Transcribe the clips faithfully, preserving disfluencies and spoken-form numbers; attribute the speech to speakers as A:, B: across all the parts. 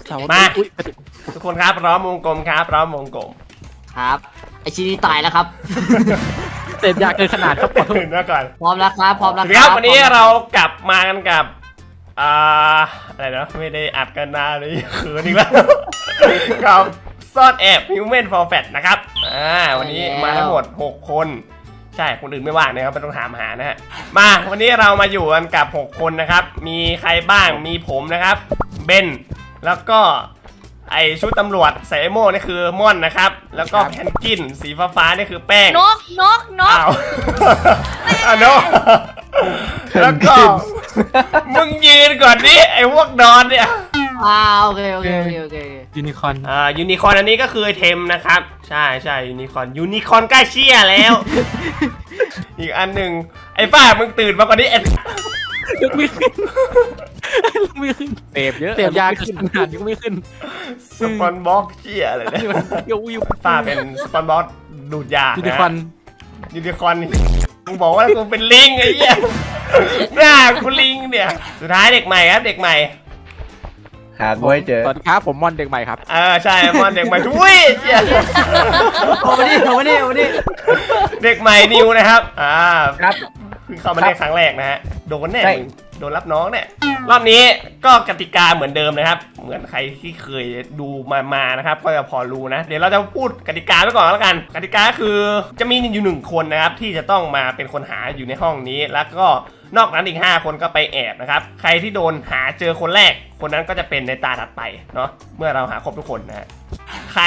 A: มาทุกคนครับพร้อมวงกลมครับพร้อมวงกลม
B: ครับไอชินี่ตายแล้วครับ
C: เสพยาเกินขนาดครับ
A: เห็นมาก่อน
B: พร้อมแล้วครับพร้อมแล้ว
A: ครับวันนี้เรากลับมากันกับอ่าอะไรนะไม่ได้อัดกันนานเลยคืนอีกแล้วกับซ่อนแอบ Human for Fat นะครับอ่าวันนี้มาทั้งหมดหกคนใช่คนอื่นไม่ว่างนะครับไม่ต้องถามหานะฮะมาวันนี้เรามาอยู่กันกับหกคนนะครับมีใครบ้างมีผมนะครับเบนแล้วก็ไอชุดตำรวจใส่โม่นี่คือม่อนนะครับแล้วก็แพนกินสีฟ้าๆนี่คือแป้ง
D: นกนกนก
A: อ้าวอ้าวนกแล้วก็มึงยืนก่อนดิไอพวกนอนเนี่ย
B: อ้าวโอเคโอเคโอเคโอเค
C: ยูนิคอร์น
A: อ่ายูนิคอร์นอันนี้ก็คือเทมนะครับใช่ใช่ยูนิคอร์นยูนิคอร์นใกล้เชี่ยแล้วอีกอันหนึ่งไอ้ป้ามึงตื่นมาก่อนดิ
C: ยกไม่ขึ้นยกไม่ขึ้นเสพเยอะเสพยาขึ้นขนาดยกไม่ขึ้น
A: สปอนบ็อกเชี่ยอะไรเนี่ยป้าเป็นสปอนบ็อกดูดยา
C: ยูนิคอร์น
A: ยูนิคอร์นมึงบอกว่ากูเป็นลิงไอ้เหี้ยหน้ากูลิงเนี่ยสุดท้ายเด็กใหม่ครับเด็กใหม่
E: หาไม่เจอ
C: สวัสดีครับผมมอนเด็กใหม่ครับ
A: เออใช่มอนเด็กใหม่ทุยเชี่ย
B: โอ้มาดิโอ้มาดิโอ้มาดิ
A: เด็กใหม่นิวนะครับอ่า
E: ครับ
A: เพิ่งเข้ามาเล่นครั้งแรกนะฮะโดนแน่โดนรับน้องเนี่ยรอบนี้ก็กติกาเหมือนเดิมนะครับเหมือนใครที่เคยดูมามานะครับก็จะพอรู้นะเดี๋ยวเราจะพูดกติกาไปก่อนแล้วกันกติกาคือจะมีอยู่หนึ่งคนนะครับที่จะต้องมาเป็นคนหาอยู่ในห้องนี้แล้วก็นอกนั้นอีกห้าคนก็ไปแอบนะครับใครที่โดนหาเจอคนแรกคนนั้นก็จะเป็นในตาถัดไปเนาะเมื่อเราหาครบทุกคนนะฮะใคร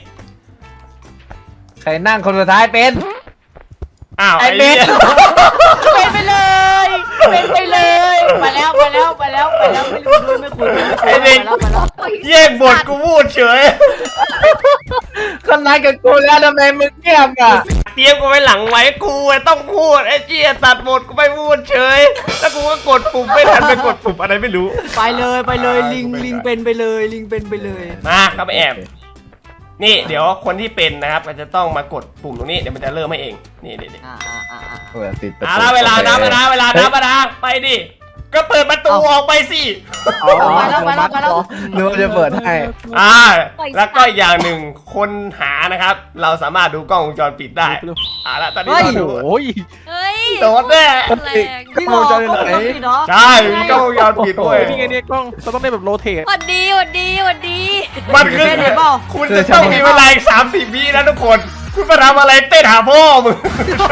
E: ใครนั่งคนสุดท้ายเป็น
A: อ้าว
B: ไอเบนเป็นไปเลยเป็นไปเลยมาแล้วมาแล้วมาแล้วมาแล้วไม่รู้ด้วยไม่คุยไอเบน
A: แยกบทกูพูดเฉย
E: คนนั้นกับกูแล้วทำไมมึงเงียบอ่ะ
A: เตรียมกูไว้หลังไว้กูต้องพูดไอ้เจี๊ยตัดบทกูไม่พูดเฉยแล้วกูก็กดปุ่มไม่ทันไปกดปุ่มอะไรไม่รู้
B: ไปเลยไปเลยลิงลิงเป็นไปเลยลิงเป็นไปเลย
A: มาครับแอบนี่เดี๋ยวคนที่เป็นนะครับมันจะต้องมากดปุ่มตรงนี้เดี๋ยวมันจะเริ่มให้เองนี่นี่นี่
B: อ่าอ่าอ่าอ่า
A: อ่าเวลานับนะเวลานับนะไปดิก็เปิดประตูออกไปสิ
B: ไปแล้วไปแล้วไปแล้ว
E: นึกว่าจะเปิดให้
A: อ่าแล้วก็อย่างหนึ่งคนหานะครับเราสามารถดูกล้องวงจรปิดได้อ่าแล้วตอนนี้เราดู
C: โอ้ย
A: โดนแน่
B: กล้องวงจรปิดไหน
A: ใช่มีกล้องวงจรปิดด้วย
C: นี่ไงเนี่ยกล้องเราต้องได้แบบโรเทต
D: สวัสดีสวัสดีสวัสดี
A: มันคือคุณจะต้องมีเวลาอีกสามสิบวินะทุกคนคุณมาทำอะไรเต้นหาพ่อมึง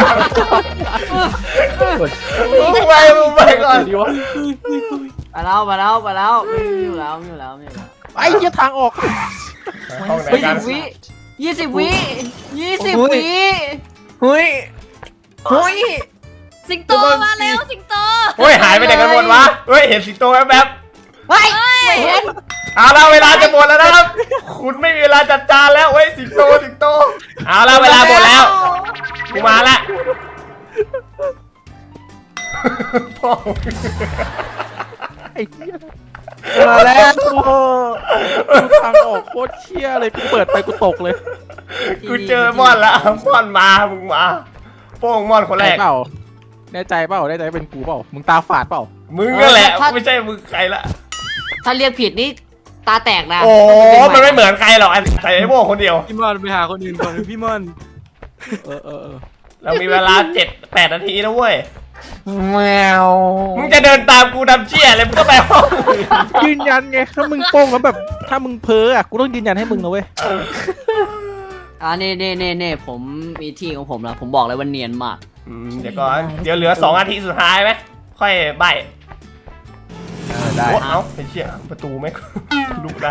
A: มึงไปมึงไปก่อน
B: มาแล้วมาแล้วมาแล้วไม่อยู่แล้วไม่อยู่แล้วไม่อยู่แล้ว
C: ไอ้ยี่ทางออก
B: ยี่สิบวิยี่สิบวิยี่สิบวิ
E: เฮ้ยเฮ้ย
D: สิงโตมาแล้วสิงโต
A: เฮ้ยหายไปไหนกันหมดวะเฮ้ยเห็นสิงโตแวบ
B: ๆเฮ้ยเห็น
A: เอาละเวลาจะหมดแล้วนะครับคุณไม่มีเวลาจัดจานแล้วเฮ้ยสิงโตสิงโตเอาละเวลาหมดแล้วกูมาละพ่อ
C: ไอ้เหี้ยมาแล้วทางออกโคตรเชี่ยเลยกูเปิดไปกูตกเลย
A: กูเจอม่อนละม่อนมามึงมาโป้งม่อนคนแรก
C: เปล่าแน่ใจเปล่าแน่ใจเป็นกูเปล่ามึงตาฝาดเปล่า
A: มึงก็แหละไม่ใช่มึงใครละ
B: ถ้าเรียกผิดนี่ตาแตกนะ
A: โอ้มันไม่เหมือนใครหรอกใส่ไอ้โม่คนเดียว
C: พี่ม่อนไปหาคนอื่นก่อนพี่ม่อนเออเออ
A: เรามีเวลาเจ็ดแปดนาทีนะเว้ย
E: แมว
A: มึงจะเดินตามกูทำเชี่ยเลยมึงก็ไปห้อง
C: ยืนยันไงถ้ามึงโป้งแล้วแบบถ้ามึงเพ้ออ่ะกูต้องยืนยันให้มึงนะเว้ย
B: อ่าเน่เน่เน่เน่ผมมีที่ของผมแล้วผมบอกเลยว่าเนียนมาก
A: เดี๋ยวก่อนเดี๋ยวเหลือสองนาทีสุดท้ายไหมค่อยใบ
E: ได้
A: เอ้าไอ้เชี่ยประตูไหมลุกได้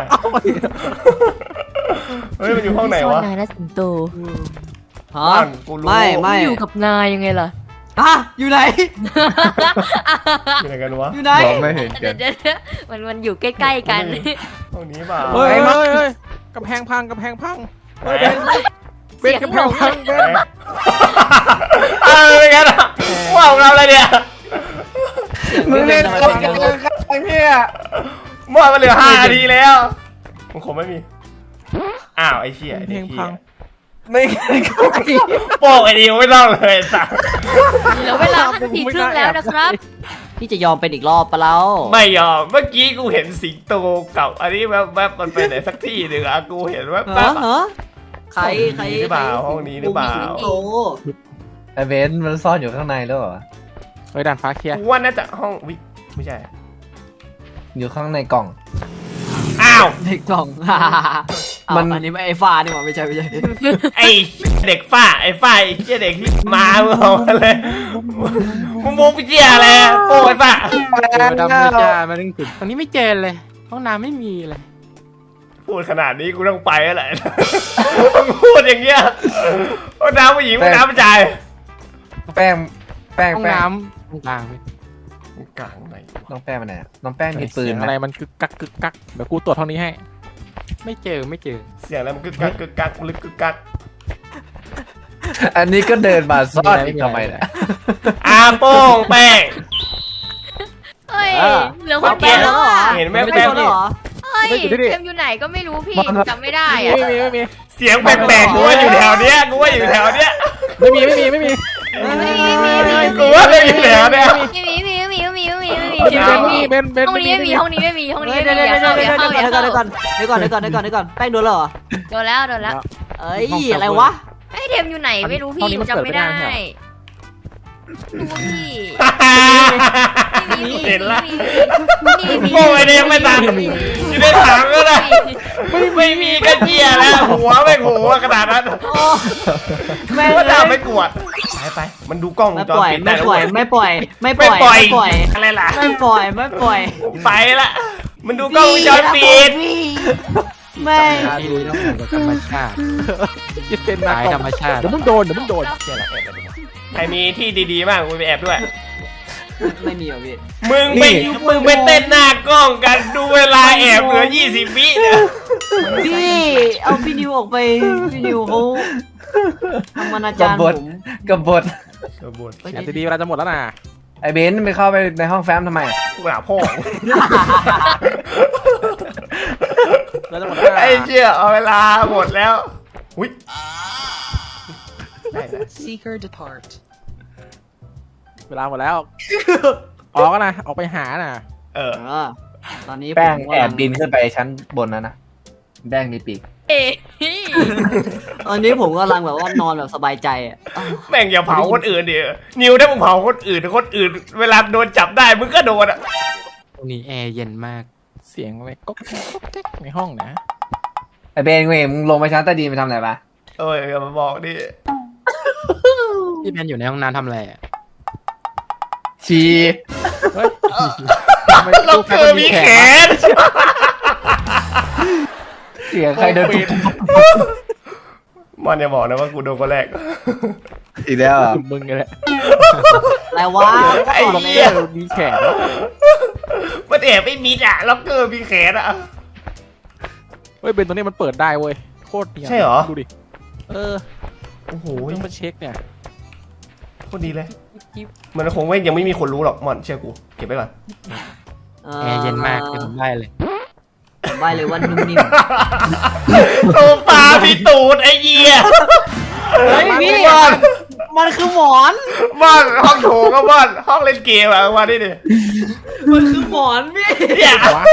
A: เฮ้ยมันอยู่ห้องไหนวะ
D: นายและสิงโต
B: ฮะไม่ไม่
D: อยู่กับนายยังไงล่ะ
B: อ่ะอยู่ไหน
A: อยู่ไหนกันวะ
B: อยู่ไหน
E: ไม่เห็นกัน
D: มันมันอยู่ใกล้ๆกัน
A: ห้องนี้เปล่า
C: เฮ้ยเฮ้ยกำแพงพังกำแพงพังเฮ้ยเป็นกำแพงพังเป็น
A: อะไรกันอ่ะว้าวเราอะไรเนี่ย
E: มึงเล่นอะไรกันไอ้เหี้ย
A: มั่วมาเหลือห้านาทีแล้วมึงคงไม่มีอ้าวไอ้เชี่ย
C: เพลงพัง
E: ไม่ใช่ใคร
A: โป้งไอ้ดิวไม่ต้องเลยสัก
D: เหลือเวลาห้านาทีครึ่งแล้วนะครับ
B: พี่จะยอมเป็นอีกรอบปะเรา
A: ไม่ยอมเมื่อกี้กูเห็นสิงโตกับอันนี้แวบๆมันไปไหนสักที่หนึ่งอะกูเห็นแว
B: เหรอบ
A: ๆ
B: เหรอใครใคร
A: หรือเปล่าห้องนี้หรือเปล่า
B: โอ้
E: ไอเบนซ์มันซ่อนอยู่ข้างในแล้วเหรอ
C: เฮ้ยด่านฟ้าเคลียร์
A: กูว่าน่าจะห้องวิไม่ใช่
E: อยู่ข้างในกล่อง
A: อ้าว
B: เด็กกล่อง
E: มั
B: มัน นอันนี้ไม่ไอ้ฟ้านี่หว่าไม่ใช่ไม่ใช่
A: ไอ้เด็กฝ้าไอ้ฝ้าไอ้เจ้าเด็กที่มาเมื่อวานเลยมึงมุกไปเจียอะไรอะโป้งไอ้ฝ้า
C: เจอดำเลยจ้ามาดึงจุดตรงนี้ไม่เจอเลยห้องน้ำไม่มีเลย
A: พูดขนาดนี้กูต้องไปแล้วแหละมึงพูดอย่างเงี้ยห้องน้ำผู้หญิงห้องน้ำผู้ชาย
E: แป้งแป้ง
C: ห้อง
E: แป้ง
C: น้ำตรงกลางเลย
A: กลางไหนวะ
E: น้องแป้งมาไหนอะน้องแป้งมีปืน
C: เสียง
E: ไหม
C: อะไรมันกึกกักกึกกักเดี๋ยวกูตรวจห้องนี้ให้ ไม่เจอไม่เจอ
A: เสียงอะไรมันกึกกักกึกกักลึกกึกกัก
E: อันนี้ก็เดินมาซ่อนอีกทำไมเนี่ย
A: อาโป้งแป้ง
D: เฮ้ย
B: เออ
D: เหลือคนเดี
B: แป้
D: ย
B: ง
D: ว
B: แล้
D: แล้ว ว
B: เหรอ
D: อ่ะ
A: เห็นไหม
B: ไม่
A: แป้ง
B: โดนแล้วเหรอ
D: เฮ้ยเทมอยู่ไหนก็ไม่รู้พี่จำไม่ได้
C: ไม่
D: อ่ะ
C: มีไม่มี
A: เสียงแปลกๆกูว่าอยู่แถวเนี้ยกูว่าอยู่แถวเนี้ย
C: ไม่มีไม่มีไม่มี
D: ไม่มีไม่มีไม่มี
A: กูว่าไม่อยู่แถวเนี้ย
D: ไม่มีไม่มีไม่มีไม่มีไม่มีไม่มี
C: ไม่มีเบนเบน
D: ห้องนี้ไม่มีห้องนี้ไม่มีห้องนี้
B: เดี๋ยว
D: ไม่
B: เดี๋ยว
D: มี
B: เดี๋ยว
D: อย่า
B: เดี๋ยว
D: เข้า
B: เดี๋
D: อย่า
B: ยว
D: เข้า
B: เดี๋ยวก่อนเดี๋ยวก่อนเดี๋ยวก่อนเดี๋ยวก่อนเดี๋ยวก่อนแป้งโดนแล้วเหรอ
D: โดนแล้วโดนแล้ว
B: เอ้ยอะไรวะ
D: ไอ้เทมอยู่ไหนไม่รู้พี่จำไม่ได้ดูพี่
A: เห็นละ
D: นี่มี
A: โป้งไอ้เนี่ยไม่ตามอยู่ในถังก็ได้ไม่มีกระเจียแล้วหัวไม่หัวขนาดนั้น
B: โอ้แม่
A: ว่าจะไม่กวดไปไปมันดูกล้องว
B: ไม่
A: งจ
B: ป
A: ร
B: ล่อย
A: ปิดได้
B: ไม่
A: แล้ว
B: ปล่อย
A: เว้ย
B: ไม่ปล่อยไม่ป
A: ไม่
B: ล่อย
A: ปล่อย
B: ไม่ปล่อย
A: อะไรล่ะ
B: ไม่ปล่อยไม่ปล่อย
A: ไปละมันดูกล้องวงจรปิด
B: แม่
C: ดูต้องเหมือนกับธรรมชาติจะเป็นตายธรรมชาติเดี๋ยวมึงโดนเดี๋ยวมึงโดน
A: เชี่ยละแอบไปดูใครมีที่ดีๆบ้างกูไปแอบด้วย
B: ไม่มีหรอพี่
A: มึงไปมึงไปเต้นหน้ากล้องกันดูเวลาแอบเหลือยี่สิบวิเนี่ย
B: พี่เอาพี่นิวออกไปพี่นิวเขาทำอนา
E: กั
B: จา
E: บ
B: รย์
E: บ
B: ผ
E: ท
B: ม
E: กับบท
C: แอบดีๆเวลาจะหมดแล้วนะ
E: ไอเบนซ์ไปเข้าไปในห้องแฟ้มทำไมอะ
A: กูหาพ่อ
C: แล้วจะหมดแล้วนะ
A: ไอ้เชี่ยเอาเวลาหมดแล้วอุ้ยได้นะ
F: Seeker depart.
C: เวลาหมดแล้วออกนะออกไปหาน่ะ
A: เออ
B: เออตอนนี้
E: แป้ง
B: ผม
E: แอบบินขึ้นไปชั้นบนนั้นนะแป้งมีปีก
D: เอ๊ะ
B: ตอนนี้ผมกำลังแบบว่านอนแบบสบายใจอ่ะอ้าว
A: แม่งอย่าเผาคนอื่นดินิวถ้ามึงเผาคนอื่นคนอื่น เวลาโดนจับได้มึงก็โดนอ่ะ
C: ตรงนี้แอร์เย็นมากเสียงอะไรก็ก็แก๊กในห้องนะ
E: ไอเบนซ์เว้ยมึงลงไปชั้นใต้ดินไปทำอะไรปะ
A: เอ้ยอย่ามาบอกดิ
C: พี่แมนอยู่ในห้องน้ำทำอะไรอ่ะ
E: ชี
C: เฮ้ย
A: เราเกิดมีแขน
E: เสียงใครเดินตุ๊บ
A: มันอย่าบอกนะว่ากูโดนคนแรก
E: อีกแล้วเหรอ
C: มึงไงแหละ
B: อะไรวะ
A: ไอ้
C: ตรง
A: เหี้
C: นี้
A: ย
C: มีแขน
A: มันแอบไม่มิดอ่ะล็อกเกอร์มีแขนอ่ะ
C: เฮ้ยเป็นตัวนี้มันเปิดได้เว้ยโคตรเนียน
A: ใช่เหรอ
C: ดูดิเออ
A: โอ้โห
C: ต้องมาเช็คเนี่ย
A: โคตรดีเลย มันคงไม่ยังไม่มีคนรู้หรอกมอนเชื่อกูเก็บไว้ก่อน
C: แอร์เย็นมากเป็นได้เลย
B: ผมใบเลยว่านุ่มนิ่ม
A: โซฟาพี่ตูดไอ้เหี้ย
B: เฮ้ยพี่
A: บ้าน
B: มันคือหมอน
A: บ้านห้องโถงก็บ้านห้องเล่นเกมอะมาดิดิ
B: มันคือหมอนพี่
A: เนี่ย
C: วะ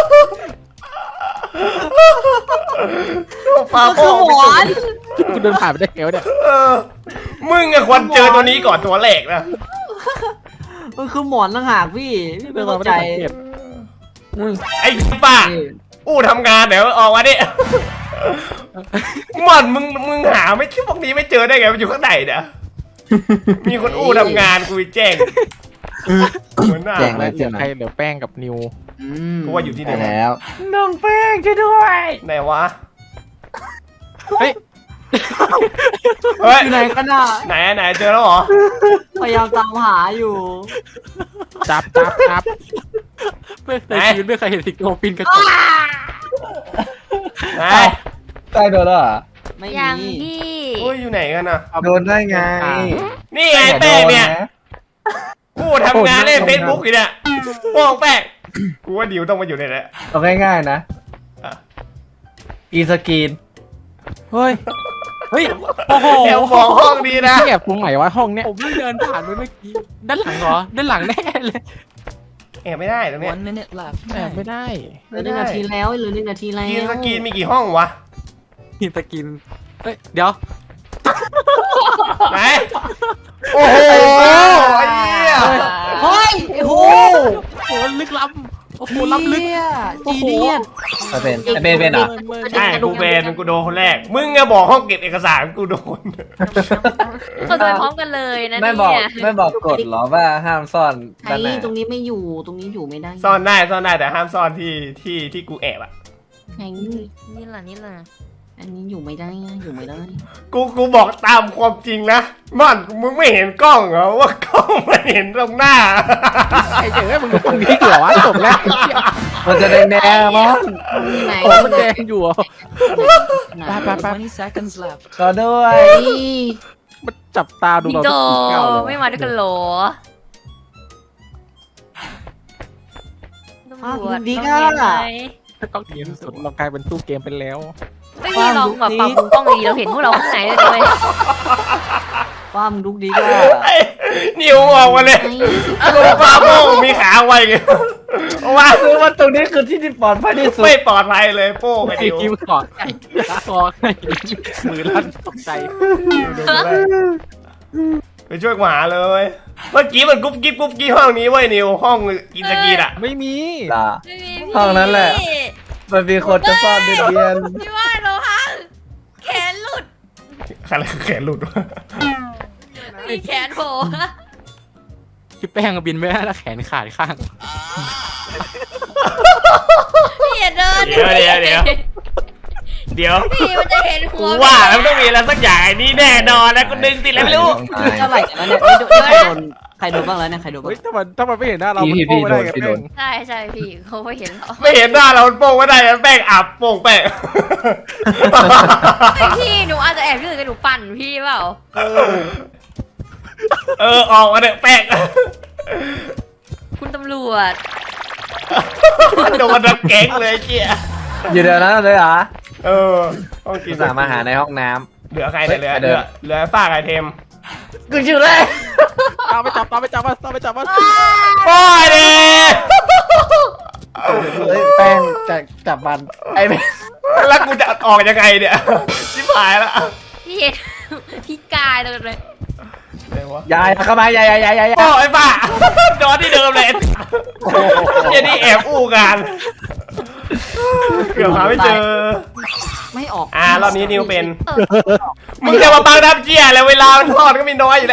A: โซฟา
B: มัน
A: โป้
B: คือง หมอน
C: กูเดินผ่านไปได้ไงวะเนี่ย
A: เออมึงอะควรเจอตัวนี้ก่อนตัวแรกนะ
B: มันคือหมอนต่างหากพี่พี่ไม่เข้าใจ
C: ไม่ได้สังเกต
A: ไอ้ป้าอู้ทำงานเดี๋ยวออกมาดิมอนมึงมึงหาไม่คิดพวกนี้ไม่เจอได้ไงมันอยู่ข้างในเนี่ยมีคนอู้ทำงานกูไปแจ้งเหมือนหน้า
E: แจ้ง
C: แล้
E: แล้ว ว
C: เหลื
E: เจ้า
C: อ
E: ไหน
C: ใครเหลือแป้งกับนิว
B: อืม
A: กูว่าอยู่ที่ไหน
E: ได้แล้ว
C: น้องแป้งช่วยด้วย
A: ไหนวะ
C: เฮ้ย
A: เฮ้ย
B: อยู่ไหนกันอ่ะ
A: ไหนไหนเจอแล้วเหรอ
B: พยายามตามหาอยู่
C: จับจับจับไม่เคยชีวิตไม่เคยเห็นสิงโตปีนกระจก
A: ไหน
E: ใต้โดนแล้วเหรอ
B: ไม่
D: ยัง
B: มี
D: พี่
A: โอ้ยอยู่ไหนกันอ่ะ
E: โดนได้ไง
A: นี่ไงแป้งเนี่ยอู้ทำงานเล่นเฟซบุ๊กอยู่เนี่ยโป้งแป้งกูว่าดิวต้องมาอยู่ในนี้
E: เอาง่ายๆนะ
A: อ่ะ
E: อีสกรีน
C: เฮ้ยเฮ้ยโอ้โห
A: แอบมองห้องดีนะ
C: แอบตรงไหนวะห้องเนี้ยผมเพิ่งเดินผ่านไปเมื่อกี้ด้านหลังเหรอด้านหลังแน่เลย
A: แอบไม่ได้ตรงเนี้ย
F: One minute left.
C: แอบไม่ได้
B: เหลือหนึ่งนาทีแล้วเหลือหนึ่งนาทีแล้ว
A: กินสกินมีกี่ห้องวะ
C: กินตะกินเฮ้ยเดี๋ยว
A: ไหนโอ้โหไอ้เหี้ย
B: เฮ้ยโอ้โห
C: โอ้โหลึกล้ำโอ้โหล้ำลึก
B: จีเนียส
E: เป็นไอ้เป็นเป็นเหรอ
A: ใช่กูเป็นกูโดนคนแรกมึงอะบอกห้องเก็บเอกสารกูโดน
D: เขาโดนพร้อมกันเลยนะ
E: ไม่
D: เนี่
E: บอก
D: ย
E: ไม่บอกกฎเหรอว่าห้ามซ่อน
B: ไอ้
E: ด้านหน้า
B: ตรงนี้ไม่อยู่ตรงนี้อยู่ไม่ได้
A: ซ่อนได้ซ่อนได้แต่ห้ามซ่อนที่ที่ที่กูแอบอะ
B: ไอ้
D: นี่แหละนี่แหละ
B: อันนี้อยู่ไม่ได้อยู่ไม่ได้
A: กูกูบอกตามความจริงนะม่อนมึงไม่เห็นกล้องเหรอว่ากล้องมันเห็นตรงหน้า
C: ไอ้เจ๋อมึงตรงนี้เหรอวะจบแล้ว
E: มันจะแดงแดงๆมอน
B: ที่ไหน
C: โอ้มันแดงอยู่อ่ะ
B: ไหน
C: ไปไปไป
F: twenty seconds left.
E: ก็ด้วย
B: ไอ้
C: มันจับตาดู
D: พี่
C: เรา
D: โด
C: ทุกทีเก้าเลย
D: ไม่มาด้วยกันเหรอตำรวจ
B: ดี
D: ต้อง
B: ก็
D: เห็นไหม
C: กล้องเกมสุดเรากลายเป็นตู้เกมไปแล้ว
D: ไม่มีลองแบบปรับปรุงกล้องดีเราเห็นพวกเราข้างในเลยเลย
B: ฟ้ามลุกดีก็
A: ไอ้นิวออกมาเลยกูฟาโม่มีขาไวไงว่า
E: คือว่าตรงนี้คือที่ที่ปลอดภัยที่สุด
A: ไม่ปลอดภัยเลยโป้กับ
C: ไอ้
A: นิว
C: คิวกอดไก่คอไก่มือลั่นตกใจ
A: ไปช่วยกูหาเลย เมื่อกี้มันกุ๊บกิ๊บกุ๊บกิ๊บห้องนี้เว้ยนิวห้องกินสกีนอะ
C: ไม่มี
E: ล่ะ
D: ไม่มีพี่
E: ห้องนั้นแหละ มันมีคนจะซ่อนเดียน
D: พี่ว่าเราพังแขนหลุด
A: อะไรคือแขนหลุดวะ
D: มีแขนโผล่
C: พี่แป้งบินไม่ได้แล้วแขนขาดข้าง
D: พี่อย่าเดิน
A: เดี๋ยวเดี๋ยวเดี๋ยวเดี๋ยว
D: พี่มันจะเห็นหั
A: กู
D: ว
A: ว่าแล้วมันต้องมีอะไรสักอย่างไอ้นี่แน่นอนแล้วกูดึงติดแล้วไม่รู้
B: เท่าไหร่กันแล้วเนี่ยใครโดนใครโดนบ้างแล้วเนี่ยใครโดนบ้าง
C: เฮ้ยถ้ามันถ้ามันไม่เห็นหน้าเรามันโป้ไม่ได้กับแป้ง
D: ใช่ใช่พี่เขาไม่เห็นหรอก
A: ไม่เห็นหน้าเราโป้งไม่ได้แป้งอับโป้งแป้ง
D: ไอพี่หนูอาจจะแอบยืนกับหนูปั่นพี่เปล่า
A: เออออกมาเถอะแป้ง
D: คุณตำรวจ
A: โดนดักแก๊งเลยเจี๊ย
E: อยู่เดี๋ยวนั้นเลยเหรอ
A: เออต้องกิน
E: สามารถหาในห้องน้
A: เหลือใครเนี่ยเหลือ
E: เฮ้ย
A: เหลือเหลือฝ้าไอเทม
E: ำกูชื่อเลย
C: ตามไปจับตามไปจับมาตามไปจับมา
A: โอ้ยดิ
E: เฮ้ยแป้งจะจับมันไอ้แม่ง
A: แล้วกูจะออกยังไงเนี่ยชิบหายละ
D: พี่เห็นพี่กายเลยเลย
A: เดี๋ยววะ
E: ยายเข้ามายายยายยายยาย
A: โอ้ไอ้ป้าโดนที่เดิมเลยเจนี่แอบอู้กันเกือบหาไม่เจอ
B: ไม่ออก
A: อ่ารอบนี้นิวเป็น
D: เออ
A: มึงจะมาบังน้ำเจี๊ยแล้วเวลามันทอดก็มีน้อยอยู่แล้ว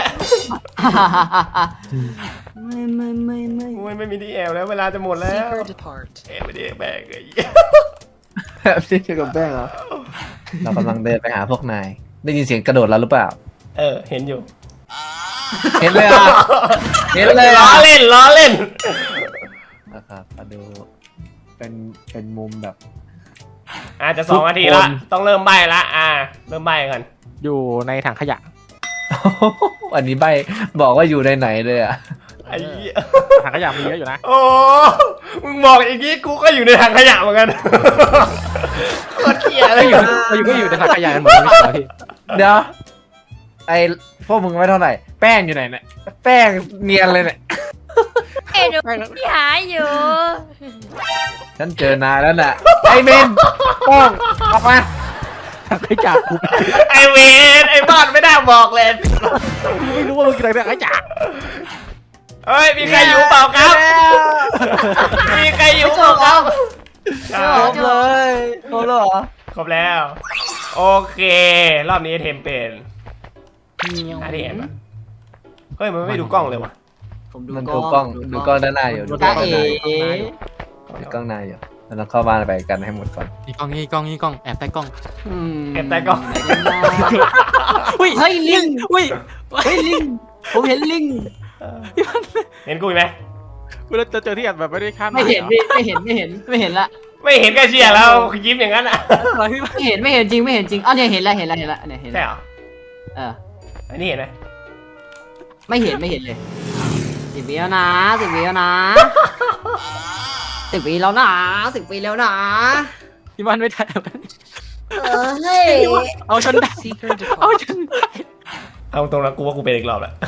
B: ไม่ไม่ไม่ไม่
A: โอ้ยไม่มีที่แอบแล้วเวลาจะหมดแล้ว
F: Seeker depart.
A: แอบไปดิแบกเลย
E: แบบที่เกี่ยวกับแป้งเหรอเรากำลังเดินไปหาพวกนายได้ยินเสียงกระโดดแล้วหรือเปล่า
A: เออเห็นอยู่
E: เห็นเลยอ่ะเห็นเลย
A: ล้อ
E: อ่ะ
A: เล่นล้อเล่น
E: นะครับมาดูเป็นเป็นมุมแบบ
A: อาจจะสองนาทีละต้องเริ่มใบละอ่า เริ่มใบกัน
C: อยู่ในถังขยะ
E: อันนี้ใบบอกว่าอยู่ในไหนเลยอ่ะ
A: ไอ้เหี้ย
C: ถังขยะมีเยอะอยู่นะ
A: โอ้มึงบอกอย่างงี้กูก็อยู่ในถังขยะเหมือนกันโคตรเกลียดเล
C: เรา
A: ย
C: อยู่เราอยู่ก็อยู่ในถังขยะกันหมดเลยไม่ใช่เหรอพี่
E: เดี๋ยวไอ้พวกมึงไม่เท่าไหร่แป้งอยู่ไหนเนี่ยแป้งเนียนเลยเนี่ย
D: เอ็นพี่หายอยู่
E: ฉันเจอนายแล้วน่ะไอ้เบนโป้งออกมา
C: ถังขยะกู
A: ไอเวนไอ้บอดไม่ได้บอกเลย
C: ไม่รู้ว่ามึงกินอะไรถังขยะ
A: เฮ้ยมีใครอยู่เปล่าครับ มีใครอยู่เปล่าครับ
E: ครบเลยครบแล้วเหรอ
A: ครบแล้ว โอเค รอบนี้เทมเป็นอันนี้เห็นปะเฮ้ยมันไม่ดูกล้องเลยวะ
B: ผมดู
E: มัน
B: ก
E: ดู
B: ล้
E: กล้
B: อ
E: อง งดูกล้องด้านหน้าอยู่ดูกล้
B: จ้า
E: อง
B: เอ๋
E: ด้านหน้าอยู่ดูกล้องหน้าอยู่เราต้องเข้าบ้านไปกันให้หมดก่อน
C: นี่กล้องนี่กล้องนี่กล้องแอบใต้กล้อง
A: เก็บใต้กล้อง
C: อุ้ย
B: เฮ้ยลิง
C: อุ้ย
B: เฮ้ยลิงผมเห็นลิง
A: เห็นกูไหม
C: เวลาจะเจอที่แอบแบบไม่ได้คาด
B: ไม่เห็นพี่ไม่เห็นไม่เห็นไม่เห็นละ
A: ไม่เห็นก็เชียร์แล้วยิ้มอย่างนั้นอ่ะ
C: อะไรพี่
B: ไม่เห็นไม่เห็นจริงไม่เห็นจริงอ้าวเนี่ยเห็นแล้วเห็นแล้วเห็นแล้วเนี่ยเห็น
A: ใช่
B: แล้ว
A: เหรอ
B: เออ
A: อันนี้เห็นไหม
B: ไม่เห็นไม่เห็นเลยสิบวิแล้วนะสิบวิแล้วนะสิบวิแล้วนะสิบวิแล้วนะ
C: พี่มันไม่ได้
B: เออเฮ้ย
C: เอาฉันได้เอาฉันได้
A: เอาตรงนั้นกูว่ากูเป็นอีกรอบแหละ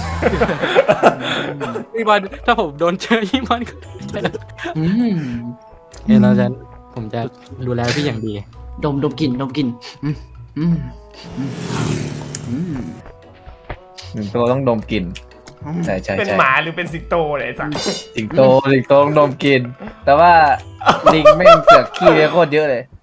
C: พี่บอลถ้าผมโดนเจอพี่บอลก็
B: อืม
C: เดี๋ยวเราจะผมจะดูแลพี่อย่างดี
B: ดมดมกลิ่นดมกลิ่นอืมอืมอืมอืม
E: หนึ่งตัวต้องดมกลิ่นใช่ใช่
A: เป็น
E: ใช่
A: หมาหรือเป็นสิงโตเนี่ยไอ้สัส
E: สิงโตสิงโตต้องดมกลิ่นแต่ว่าลิงไม่งเสือกขี้เลยโคตรเยอะเลย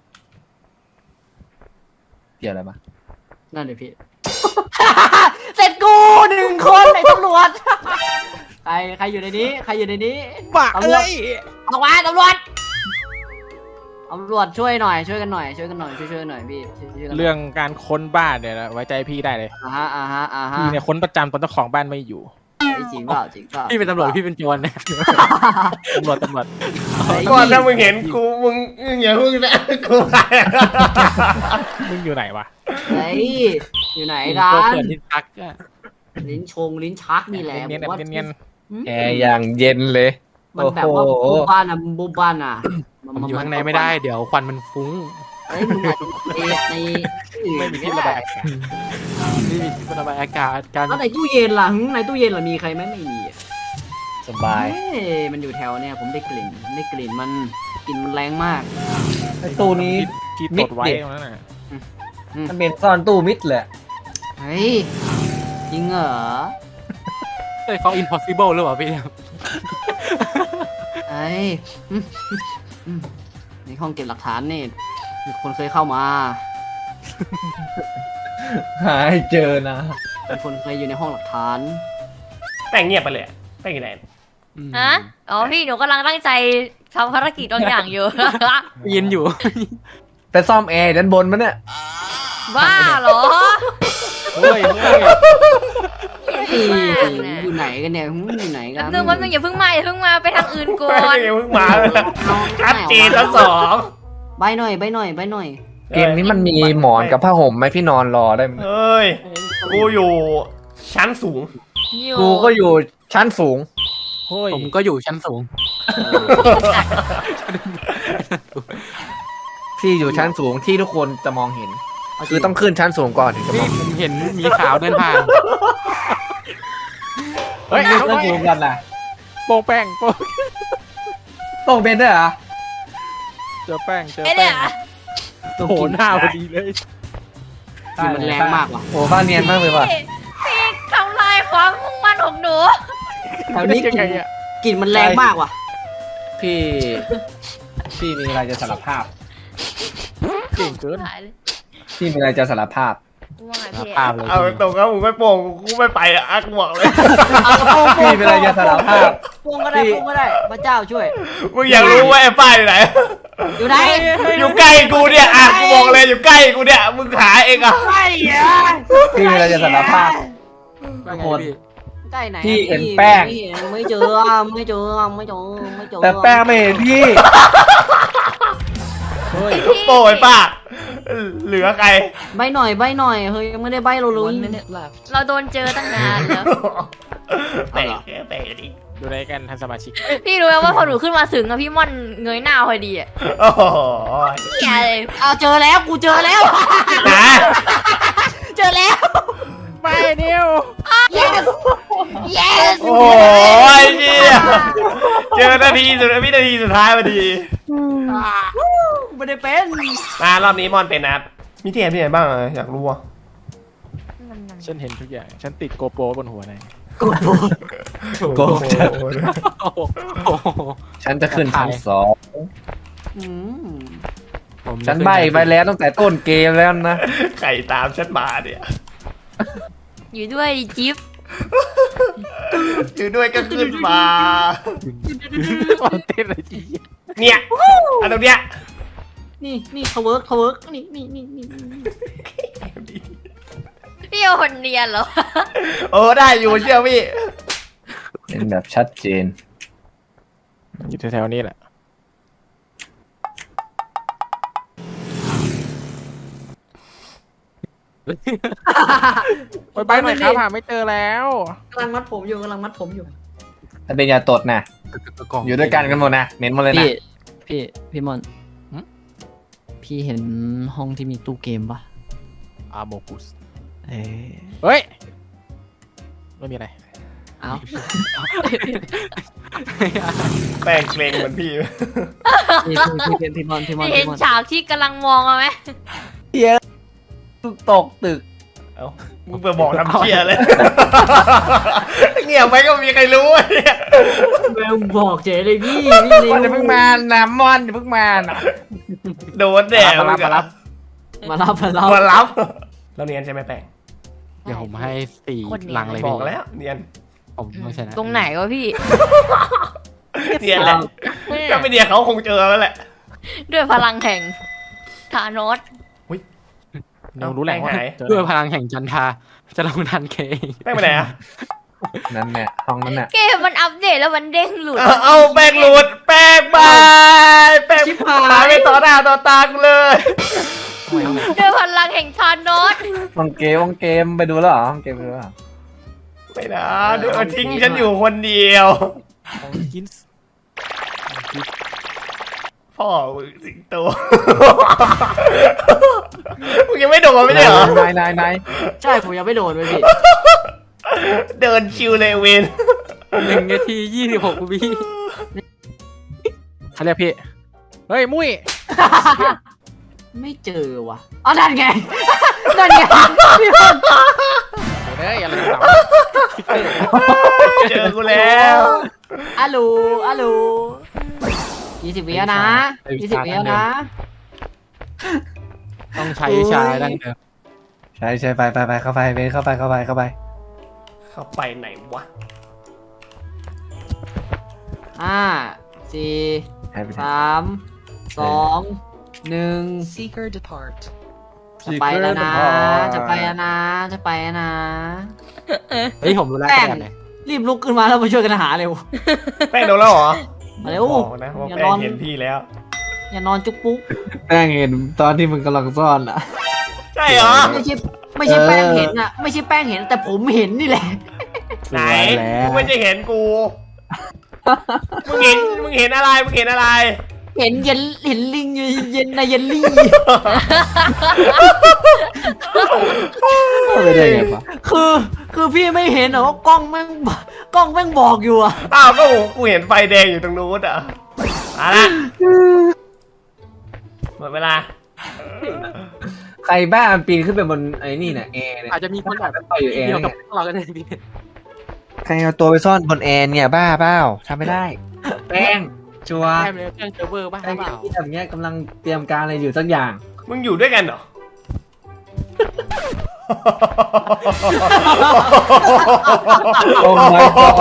E: เกี่ยวอะไรมา
B: นั่นเลยพี่ เสร็จกูหนึ่งคนไอ้ตำรวจ ใครใครอยู่ในนี้ ใครอยู่ในนี้
C: บ้า
B: ตำรวจ
C: เอ้ย
B: ออกมาตำรวจตำรวจช่วยหน่อยช่วยกันหน่อยช่วยกันหน่อยช่วยช่วยหน่อยพี่ช่วยช่วยกันหน่ย
C: เรื่องการค้นบ้านเนี่ยนะไว้ใจพี่ได้เลย
B: อ่าฮะอ่าฮะอ่าฮะ
C: พี่เนี่ยค้นประจำตอนเจ้าของบ้านไม่อยู่
B: เฮ้ยจริงเปล่าจริงเปล่า
C: พี่เป็นตำรวจพี่เป็นโจรนะตำรวจตำรวจ
B: เฮ้ย
A: ก่อนถ้ามึงเห็นกูมึงมึงอย่าพึ่งนะกูไป
C: มึงอยู่ไหนวะ
B: เฮ้ยอยู่ไหนกั
C: ตัวน เปิดที่พักอะ
B: ลิ้นชงลิ้นชักนี่แหละ
C: เนียน
B: ผมว่า
C: ๆเนียน
B: อืม
E: แอร์อย่างเย็นเลย
B: มันแบบว่า
E: โอ้โห
B: บุบบ้านอ่ะบุบบ้านอ่ะ
C: ๆผมอยู่ข้างในไม่ได้เดี๋ยวควันมันฟุ้ง
B: เฮ้ยมึงอาจจะในในอื่น
C: ไม่มีที่ระบายอากาศไม่มีที่ระบายอากาศการ
B: แล้วในตู้เย็นล่ะหึในตู้เย็นล่ะมีใครไหมไม่มีอะ
E: สบาย
B: เฮ้ยมันอยู่แถวเนี่ยผมได้กลิ่นผมได้กลิ่นมันกลิ่นมันแรงมาก
E: ไอ้ตู้นี้
C: ที่
E: มิ
C: ต
E: ด
C: ดไว้
E: เด็ด
C: ตรงนั้นน่ะ
E: มันเป็นซ่อนตู้มิดเลย
B: เฮ้ยจริงเหรอ
C: เฮ้ยเขา impossible หรือเปล่าพี่
B: เฮ้ยอืมอืมในห้องเก็บหลักฐานนี่มีคนเคยเข้ามา
E: หาให้เจอนะ
B: มีคนเคยอยู่ในห้องหลักฐาน
A: แป้งเงียบไปเลยอะแป้งอยู่ไหน
D: ฮะอ๋อพี่หนูกำลังตั้งใจทำภารกิจบางอย่างอยู่
C: ยินอยู่
E: ไปซ่อมแอร์ด้านบนมันเนี่ย
D: บ้าเหรอ
C: เฮ้ยเฮ้ย
B: เฮ้ย
D: มากนะ
B: อยู่ไหนกันเนี่ยหึอยู่ไหนกั
D: แป๊
B: น
D: บนึงแป๊บนึงอย่าเพิ่งมาอย่าเพิ่งมาไปทางอื่นก่อ
A: แป้ง
D: น
A: ยังเพิ่งมาเลย
B: เอา
A: ชัดเจนทั้งสอง
B: ใบหน่อยใบหน่อยใบหน่อย
E: เกมนี้มันมีหมอนกับผ้าห่มไหมพี่นอนรอได้ไหม
A: เฮ้ยกูอยู่ชั้นสูง
D: อยู่
E: กูก็อยู่ชั้นสูง
C: เฮ้ยผมก็อยู่ชั้นสูง
E: พี่อยู่ชั้นสูงที่ทุกคนจะมองเห็น คือต้องขึ้นชั้นสูงก่อนถึงจะม
C: นี่
E: อง
C: ผมเห็นหมีขาวเดินผ่าน
E: เฮ้ยเล่นเกมกันนะ
C: โป้งแป้งโป้ง
E: ต้องเป็นด้วยเหรอ
C: เจอแป้งเจอ
D: ไอ้
C: แป้
D: เนี่
C: ง
D: ย
C: โอ้โหหน้าพอดีเลย
B: กลิ่นมันแรงมากว่ะ
E: โอ้ฟ้าเนียนมากเลยว่ะ
D: พี่พี่ทำลายความมุ่งมั่นของหนู
B: แถวนี้ก
C: ยั
B: ลิ่
C: งไง
B: น
C: อะ
B: กลิ่นมันแรงมากว่ะ
E: พี่ พี่มีอะไรจะสารภาพ
C: เก่งเกิน
D: หายเลย
E: พี่มีอะไรจะสารภาพ
D: ว่าไงพี่
C: ภาพเลย
A: เอาตรงๆก็มึงไม่โป่งกูไม่ไปอะอักบอกเลย
B: เอาโป้ง
E: พี่มีอะไรจะสารภาพ
B: โป้งก็ได้โป้งก็ได้พระเจ้าช่วย
A: มึงอยากรู้ว่าไอ้ป้ายอยู่ไหน
B: อยู่ไหน
A: อยู่ใกล้กูเนี่ยอ่ะกูบอกเลยอยู่ใกล้กูเนี่ยมึงหาเองอ่ะ
B: ใกล้อะ
E: พี่มีอะไรจะสารภาพ
C: ว่าไงพี่
B: ใกล้ไหน
E: พี่เห็นแป้ง
B: ไม่เห็นไม่เจออะไม่เจออะไม่เจอไม่เจอ
E: แต่แป้งไม่เห็นพี่
C: เฮ้ย
A: โป้ไอ้ป้าเหลือใคร
B: ใบหน่อยใบหน่อยเฮ้ยยังไม่ได้ใบเราเลย
D: เราโดนเจอตั้งนานแล้ว
A: แปลกแปลกดิ
C: ดูในกันท่านสมาชิก
D: พี่รู้ไหมว่าพอหนูขึ้นมาถึงอะพี่ม่อนเงยหน้าพอดีอะ
A: โอ้โห
D: เหี้ยเลย
B: เอาเจอแล้วกูเจอแล้ว
A: นะ
B: เจอแล้ว
C: ไม่เดียว
B: yes yes
A: โอ้ยเชี่ยเจอนาทีสุดวินาทีสุดท้ายพอดี
B: ไม่ได้เป็น
A: มารอบนี้มอนเป็นนะครับมีที่ไหนที่ไหนบ้างอะอยากรู้อ่ะ
C: ฉันเห็นทุกอย่าง ฉันติดโกโปรบนหัวใน
B: กดโบ
E: โก
C: โอ้โหโอ้โห
E: ฉันจะขึ้นชั้นสอง
B: อืม
C: ผม
E: ฉันใบไปแล้วตั้งแต่ต้นเกมแล้วนะ
A: ไข่ตามฉันมาเนี่ย
D: อยู่ด้วยดิจิ๊บ
A: อยู่ด้วยก็ขึ้นมา
C: ความเต้นอะไรจี
A: เนี่ยอันตรงเนี้ย
B: นี่นี่เขาเวิร์กเขาเวิร์กนี่นี่นี่นี่
D: พี่เอาคนเรียนเหรอ
A: โอ้ได้อยู่เชื่อพี่
E: เป็นแบบชัดเจน
C: อยู่แถวๆนี้แหละ ไปไปหน่อยครับหาไม่เจอแล้ว
B: กำลังมัดผมอยู่กำลังมัดผมอยู่
E: ถ้าเป็นยาตดนะอยู่ด้วยกันกันหมดนะเน้นหมดเลยนะ
B: พี่พี่พี่มอนพี่เห็นห้องที่มีตู้เกมปะ
C: อาโมกุส
E: เอ้ย
C: เฮ้ยไม่มีอะไร
B: เอ้า
A: แป้งเกรงเหมือนพี่
B: พี่พี่พี่พี่มอนพี่มอน
D: เห็น
B: พี่มอน
D: ฉากที่กำลังมองเอาไหม
E: ตกตึก
A: เอ้ามึงไปบอกทำเชี่ยเลย เงียบไปก็ไม่มีใครรู้อะเนี่ย
B: แม่งบอกเจ๊เลยพี่พี่เร็ว
E: มันจะเพิ่งมาน้ำมอนจะเพิ่งมาน่ะ
A: โดนแดด
E: มารับมารับ
B: มารับมารับ
A: มารับเราเนียนใช่ไหมแป้ง
C: เดี๋ยวผมให้สี่ลังเลย
A: บ
C: พี่
A: อกแล้วเนียน
C: ผมไม่ใช่นะ
D: ตรงไหนวะพี่
A: เนียนแหละถ้าไม่เนียนเขาคงเจอแล้วแหละ
D: ด้วยพลังแห่งธานอส
C: เดี๋ยวรู้แหละว่า
A: แป้งหาย
C: ด้วยพลังแห่งจันทราจะลงทันเคเอง
A: แป้งไปไหนอะ
E: นั่นแหละห้องนั้นแหละ
D: เกมมันอัปเดตแล้วมันเด้งหลุด
A: เอาเอาแป้งหลุดแป้งบายแป้งหายไปต่อหน้าต่อตากูเลย
D: ด้วยพลังแห่งธานอส
E: ห้องเกมห้องเกมไปดูแล้วเหรอห้องเกมไปดูแล้วเหรอ
A: ไม่นะเดี๋ยวทิ้งฉันอยู่คนเดียว
C: ของกินส์
A: พ่อมึงสิงโต มึงยังไม่โดนไม่ใช่เหรอน
E: ายนายนาย
B: ใช่ผมยังไม่โดนเลยพี่
A: เดินชิวเลยเวน
C: หนึ่งนาทียี่สิบหกวิเขาเรียกพี่เฮ้ยมุ้ย
B: ไม่เจอว่ะอ๋อนั่นไงนั่นไงพี่มอน
C: เฮ้ยอะไรต่าง
A: เจอกูแล้ว
B: อะลูอะลูยี่สิบวิแล้วนะยี่สิบวิแล้วนะ
C: ต้องใช้ชายดั้งเดิม
E: ใช่ใช่ไปไปไปเข้าไปเบนเข้าไปเข้าไปเข้าไป
A: เข้าไปไหนวะ
B: ห้าสี่
E: ให้ไปไหน
B: สามสองหนึ่ง
F: Seeker depart.
B: จะไปแล้วนะ จะไปแล้วนะ จะไปแล้วนะ
C: เฮ้ยผมรู้แล้ว
B: แป้ง
C: แบบไหน
B: รีบลุกขึ้นมาแล้วมาช่วยกันหาเร็ว
A: แป้งโดนแล้วเหรอ
B: มาเร็ว
A: บอกนะว่า
B: อย่า
A: แป้
B: นอง น
A: เห็นพี่แล้ว
B: อย่านอนจุกปุ๊ก
E: แป้งเห็นตอนที่มึงกำลังซ่อนอ่ะ
A: ใช่เหรอ
B: ไม่ใช่ไม่ใช่แป้งเห็นอะไม่ใช่แป้งเห็นแต่ผมเห็นนี่แหละ
A: ไหน
E: สวยแล้ว
A: มึงไม่ใช่เห็นกู มึงเห็น มึงเห็นอะไร มึงเห็นอะไร
B: เห็นเย็นเห็นลิงอยู่เย็นในเยลลี่
E: ไม่ได้ไงวะ
B: คือคือพี่ไม่เห็นเหรอว่ากล้องแม่งกล้องแม่งบอกอยู่อะ
A: อ้าวก็โหกูเห็นไฟแดงอยู่ตรงนู้นอ่ะมาละหมดเวลา
E: ใครบ้ามันปีนขึ้นไปบนไอ้นี่เนี่ยแอร์เนี่ย
C: อาจจะมีคนแบบ
E: ต่อยอยู่แอร์
C: เดียว
E: เนี่
C: กับ
E: ย
C: พวกเราก็ได้พี่
E: ใครเอาตัวไปซ่อนบนแอร์เนี่ยบ้าเปล่าทำไม่ได้ แป้งชัวร์
C: แค่เลยแค่เซิร์ฟเวอร์บ้างห
E: ไอ้
C: รือเปล่า
E: ที่แบบเนี้ยกำลังเตรียมการอะไรอยู่สักอย่าง
A: มึงอยู่ด้วยกันเหรอ
E: โอ้ my god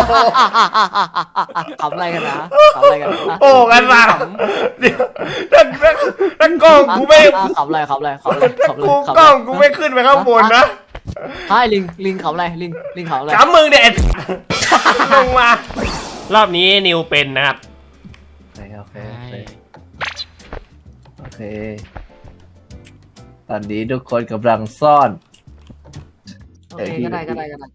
B: ขำอะไรกันนะขำอะไรกันนะ
A: โอ้กันสามเดี๋ยวถ้าถ้าถ้ากล้องกูไม่
B: อ่ะขำอะไรขำอะไรขำอะไรขำอะไร
A: กู
B: ขำ
A: กล้อง
B: อะไร
A: กูไม่ขึ้นไปข้างบนนะ
B: ใช่ลิงลิงขำอะไรลิงลิงขำอะไร
A: กำมึงเด็ดลงมา รอบนี้นิวเป็นนะครับ
E: โอเคโอเคโอเค ตอนนี้ทุกคนกำลังซ่อน
B: โอเคก็ได้ก็ได้ก็ได้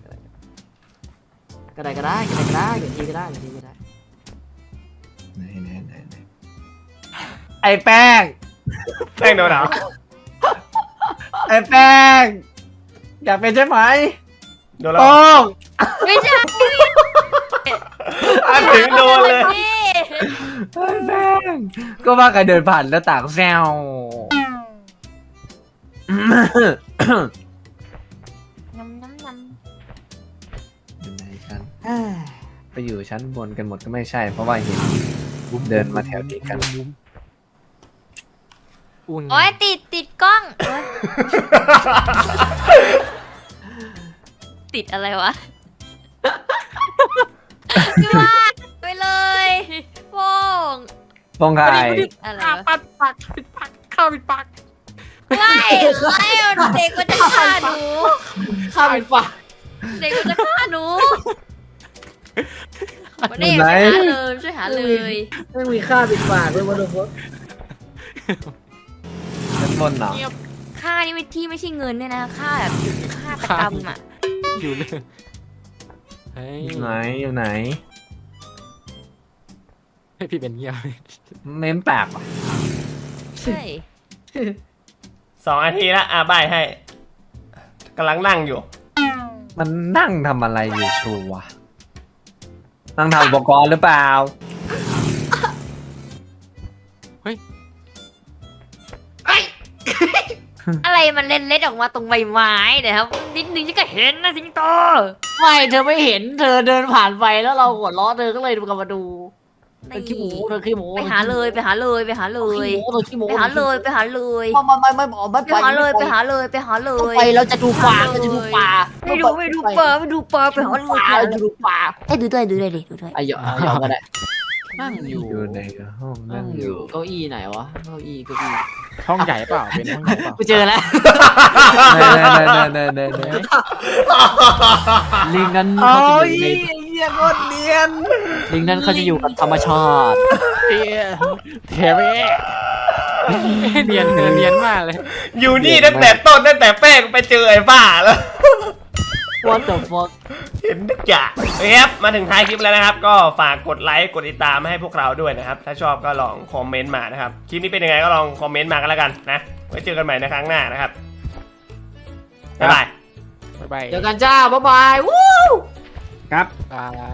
B: ก็ได้ก็ได้ก็ได้ก็ได้อย่างทีก็ได้อย่างทีก็ได้
E: ไหนไหนไหนไหนไอ้แป้ง
A: แป้งโดนเหรอ
E: ไอ้แป้ง อยากเป็นใช่ไหม
A: โดนแล้ว
E: โป้ง
D: ไม่ใช่
A: อันถึงโดนเลย
D: พี่
E: ไอ้แป้ง ก็ว่าใครเดินผ่านหน้าต่างแซว
D: น้ำน้ำน้
E: อยู่ไหนกันไปอยู่ชั้นบนกันหมดก็ไม่ใช่ เพราะว่าเห็นเดินมาแถวนี้กัน
C: อุ่น
D: ำโอ้ยติดติดกล้องโอ๊ยติดอะไรวะพี่ว่าไปเลยโป้ง
E: ฟองไข่
D: อะไร
C: ปาก
D: วะ
C: ปัดปากปิดปากข้าวปิดปาก
D: ไม่ไม่เด็กมันจะฆ่าหนู
B: ข้ามไปฝ่า
D: เด็กมันจะฆ่าหนูวันนี้ช่วยหาเลยช่วยหาเลย
B: ไม่มีค่าปิดปากเลยวันนี้
E: ชั้นบนเหรอ
D: ค่านี่ไม่ที่ไม่ใช่เงินเนี่ยนะค่าแบบค่าตกรรมอ่ะ
C: อยู่เลยเฮ้ย
E: อยู่ไหนอยู่ไหน
C: ให้พี่เป็นเงียบ
E: เม้มปากว่ะ
D: ใช่
A: สองนาทีละอ่ะใบให้กำลังนั่งอยู่
E: มันนั่งทำอะไรอยู่ชัวร์นั่งทำอุปกรณ์หรือเปล่า
D: อะไรมันเล็ดเล็ดออกมาตรงใบไม้เนี่ยครับนิดนึงฉันก็เห็นนะสิงโต
B: ไม่เธอไม่เห็นเธอเดินผ่านไปแล้วเราหัวเราะเธอก็เลยกลับมาดูเธอขี้หมูเธอขี้หมู
D: ไปหาเลยไปหาเลยไปหาเล
B: เธอย ขี้หมูเธอขี้หมู
D: ไปหาเลยไปหาเลย
B: ไม่ไม่ไม่ไม่ไม่
D: ไปหาเลยไปหาเลยไปหาเล
B: ต้อง
D: ย
B: ไปเราจะดูปลาเราจะดูปลา
D: ไม่ดูไม่ดูปลาไม่ดูปลาไปหาเลย
B: ปลาเราจะดูปลา
D: เอ้ยดูด้วยดูด้วยดิดูด้วย
B: ไอ้หยอกไอ้หยอกก็ได้นั่งอยู่
E: อยู่ในห้อง
B: นั่
E: นั่
B: ง
E: ง
B: อ
E: อยู่ ยู่
B: เก้าอี้ไหนวะเก้าอี้เก้าอี้
C: ห้องใหญ่เปล่าเป็นห้องใหญ่เปล่า
B: กูเจอแล้ว
E: เน่เน่เน่เน่เน่เน่ลิงนั้นเขาจะอยู่ใน
A: เหี้ยโคตรเนียน
B: ลิงนั้นเขาจะอยู่กับธรรมชาติ
C: เอ๊ะเทเว่เนียนเธอเนียนมากเลย
A: อยู่นี่ตั้งแต่ต้นตั้งแต่แป้งไปเจอไอ้บ้าแล้ว
B: What the fuck
A: เห็นทุกอย่างโอเคครับมาถึงท้ายคลิปแล้วนะครับ ก็ฝากกดไลค์กดติดตามให้พวกเราด้วยนะครับ ถ้าชอบก็ลองคอมเมนต์มานะครับคลิปนี้เป็นยังไงก็ลองคอมเมนต์มากันแล้วกันนะไว้เจอกันใหม่ในครั้งหน้านะครับบ๊ายบาย
C: บ๊ายบาย
B: เจอกันจ้าบ๊ายบายวู้
E: ครับ
C: บาย